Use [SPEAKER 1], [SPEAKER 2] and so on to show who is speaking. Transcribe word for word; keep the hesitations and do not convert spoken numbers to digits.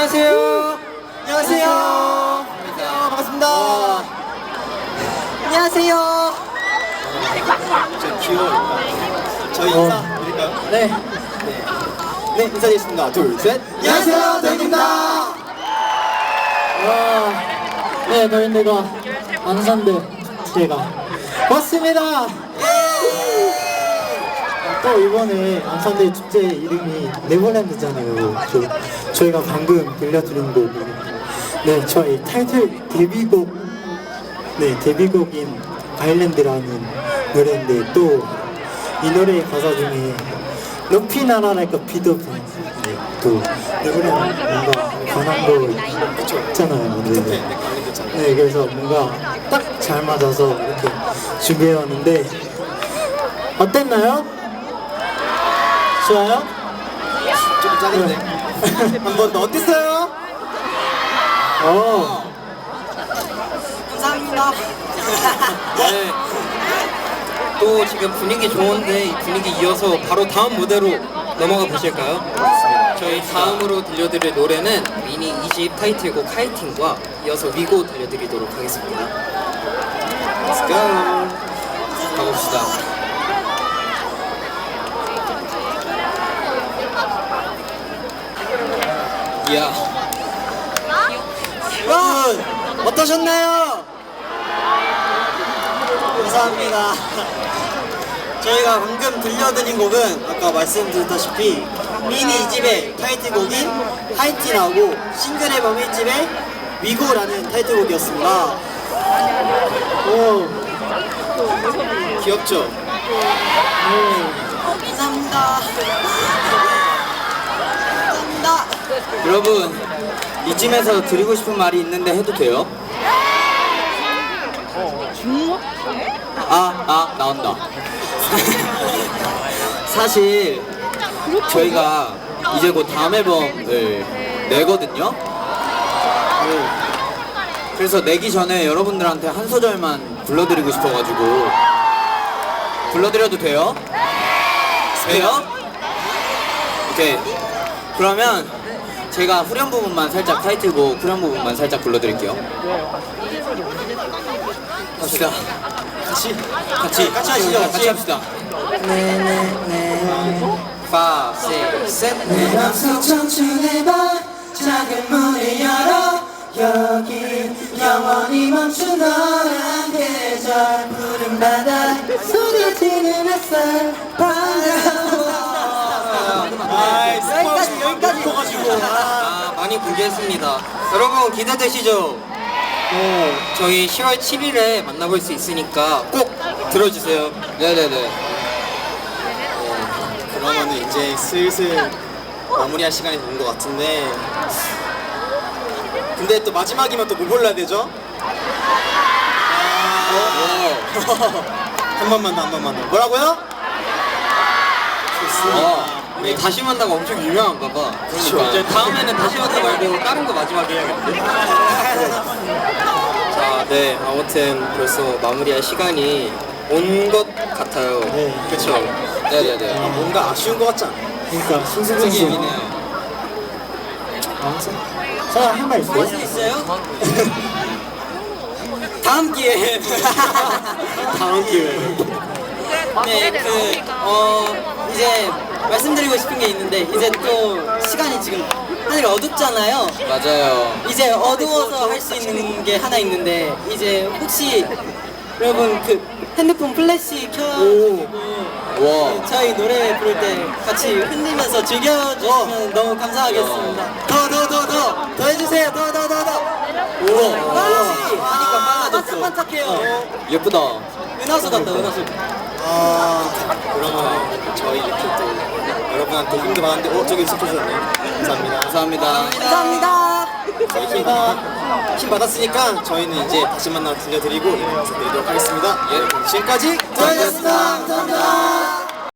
[SPEAKER 1] 안녕하세요. 안녕하세요. 안녕하세요. 반갑습니다. 안녕하세요.
[SPEAKER 2] 저 귀여워요. 저희
[SPEAKER 1] 어.
[SPEAKER 2] 인사 드릴까요?
[SPEAKER 1] 네.
[SPEAKER 2] 네, 인사드리겠습니다. 둘, 셋. 안녕하세요, 더인입니다.
[SPEAKER 1] 와, 네, 너희들과 안산대 제가 왔습니다. 또 이번에 안산대 축제 이름이 네버랜드잖아요. 저, 저희가 방금 들려드린 곡이 네, 저희 타이틀 데뷔곡 네, 데뷔곡인 아일랜드라는 노래인데 또 이 노래의 가사 중에 높이 날아랄까 비도 네, 또 네버랜드 뭔가 변한 거 있잖아요. 네, 네. 네, 그래서 뭔가 딱 잘 맞아서 이렇게 준비해왔는데 어땠나요? 좋아요?
[SPEAKER 2] 조금 짜는데. 한 번 더 어땠어요?
[SPEAKER 1] 어.
[SPEAKER 3] 감사합니다. 네. 또 지금 분위기 좋은데 이 분위기 이어서 바로 다음 무대로 넘어가 보실까요? 저희 다음으로 들려드릴 노래는 미니 이 집 타이틀곡 카이팅과 이어서 위고 들려드리도록 하겠습니다.
[SPEAKER 2] Let's go.
[SPEAKER 3] 가봅시다. 이야.
[SPEAKER 2] 여러분, 어떠셨나요? 감사합니다. 저희가 방금 들려드린 곡은 아까 말씀드렸다시피 미니 이 집의 타이틀곡인 하이틴하고 싱글 앨범 일 집의 위고라는 타이틀곡이었습니다. 오, 귀엽죠?
[SPEAKER 3] 감사합니다. 감사합니다. 여러분, 이쯤에서 드리고 싶은 말이 있는데 해도 돼요? 아, 아, 나온다. 사실 저희가 이제 곧 다음 앨범을 내거든요. 그래서 내기 전에 여러분들한테 한 소절만 불러드리고 싶어가지고 불러드려도 돼요? 돼요? 오케이. 그러면 제가 후렴 부분만 살짝 타이틀곡 후렴 부분만 살짝 불러드릴게요. 갑시다.
[SPEAKER 2] 같이
[SPEAKER 3] 같이
[SPEAKER 2] 같이 하시죠.
[SPEAKER 3] 같이 합시다. 네네네. 파, 세, 셋.
[SPEAKER 1] 내 맘속 청춘의 밤 작은 문을 열어 여기 영원히 멈춘 너란 계절 푸른 바다 속여지는 햇살 반가워.
[SPEAKER 2] 아이, 여기까지 여기까지 가지고.
[SPEAKER 3] 아, 많이 공개했습니다. 여러분 기대되시죠? 어, 저희 시월 칠일에 만나볼 수 있으니까 꼭 들어주세요. 네네네.
[SPEAKER 2] 그러면 이제 슬슬 마무리할 시간이 된 것 같은데, 근데 또 마지막이면 또 뭐 골라야 되죠? 한 번만 더, 한 번만 더. 뭐라고요? 좋습니다.
[SPEAKER 3] 우리 다시 만나가 엄청 유명한가 봐.
[SPEAKER 2] 그렇죠.
[SPEAKER 3] 이제 다음에는 다시 만나 말고 다른 거 마지막에 해야겠네. 자, 네. 아무튼 벌써 마무리할 시간이 온 것 같아요.
[SPEAKER 2] 네.
[SPEAKER 3] 그렇죠. 네네네.
[SPEAKER 2] 아, 뭔가 아쉬운 것 같지 않아요?
[SPEAKER 1] 그러니까
[SPEAKER 3] 되게
[SPEAKER 1] 승승승승.
[SPEAKER 3] 예민해요.
[SPEAKER 1] 자, 한말 있어요?
[SPEAKER 3] 있어요? 다음 기회에.
[SPEAKER 2] 다음 기회에.
[SPEAKER 4] 네, 그, 어, 이제 말씀드리고 싶은 게 있는데, 이제 또 시간이 지금 하늘이 어둡잖아요.
[SPEAKER 3] 맞아요.
[SPEAKER 4] 이제 어두워서 할 수 있는 게 하나 있는데, 이제 혹시 여러분 그 핸드폰 플래시 켜가지고
[SPEAKER 3] 와.
[SPEAKER 4] 저희 노래 부를 때 같이 흔들면서 즐겨주시면 너무 감사하겠습니다.
[SPEAKER 2] 더, 더, 더, 더! 더 해주세요! 더, 더, 더, 더!
[SPEAKER 3] 우와.
[SPEAKER 4] 플래시
[SPEAKER 3] 하니까 빨라졌어.
[SPEAKER 4] 반짝반짝해요.
[SPEAKER 3] 예쁘다.
[SPEAKER 4] 은하수 같다, 은하수.
[SPEAKER 2] 아, 그러면 저희 이렇게 또 여러분한테 힘도 많은데, 어, 저기 있어 주셨네. 감사합니다.
[SPEAKER 3] 감사합니다.
[SPEAKER 4] 감사합니다.
[SPEAKER 2] 저희가 힘 받았으니까 저희는 이제 다시 만나 들려드리고 인사드리도록 하겠습니다. 예, 지금까지 더였습니다. 감사합니다.